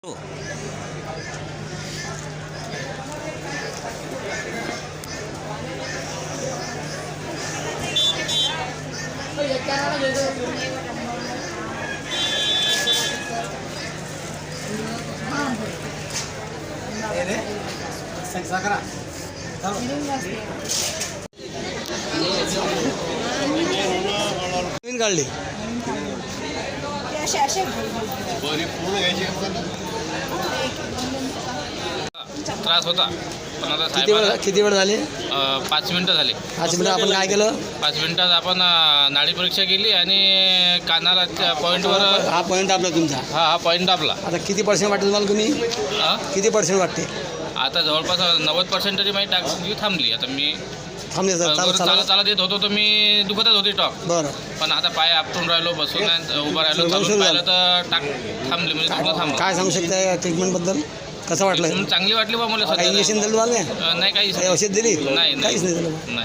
हो. नवीन काढली त्रास होता पण आता किती वेळ झाले? 5 मिनिटं झाली. 5 मिनिटं आपण काय केलं? 5 मिनिटात आपण नाडी परीक्षा केली आणि कानाला पॉईंटवर हा पॉईंट दाबला तुमचा. हा पॉईंट दाबला. आता किती पर्सेंट वाटते तुम्हाला? तुम्ही किती पर्सेंट वाटते? आता जवळपास 90% तरी माझी टाकी थांबली. आता मी थांबले सर. चालत येत होतो तर मी दुखतच होती टॉक. बरं. पण आता पाय आपटून राहिलो, बसून उभं राहिलो, चालून पाहिलं तर टाक थांबली, म्हणजे दुखणं थांबलं. काय सांगू शकता ट्रीटमेंटबद्दल? कसं वाटलं? चांगली वाटली बा मला. काही इंजेक्शन दिलं तुम्हाला? नाही, काही औषध दिली? नाही, काहीच नाही दिलं. नाही.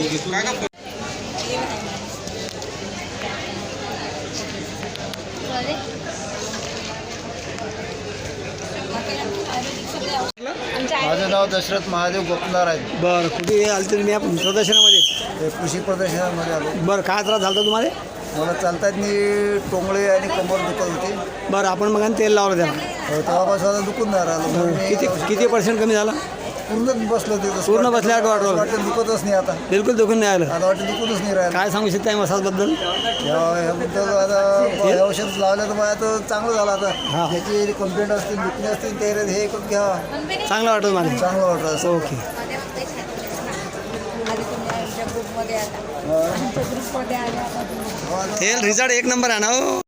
माझं नाव दशरथ महादेव गोपनार आहे. बरं. कुठे आले तुम्ही या प्रदर्शनामध्ये? कृषी प्रदर्शनामध्ये आलो. बरं. काय त्रास झाला तुम्हाला? मला चालतात मी टोंगळे आणि कंबर दुखत होती. बरं. आपण मग तेल लावलं त्याला? तेव्हापासून आता दुखून नाही राहिलं. किती पर्सेंट कमी झाला? पूर्ण बसलं तिथं. पूर्ण बसल्यावर वाटलं? वाटतं दुखतच नाही आता. बिलकुल दुखून नाही आलं? आता वाटतं दुखतच नाही राहिलं. काय सांगू शकता मसाजबद्दल? ह्याबद्दल आता हे औषध लावलं तर मला तर चांगलं झालं. आता हा. त्याची कंप्लेंट असतील, दुखणे असतील, ते हे करून घ्यावा. चांगलं वाटतं मला. चांगलं वाटतं. ओके. तेल रिझल्ट एक नंबर आहे ना हो.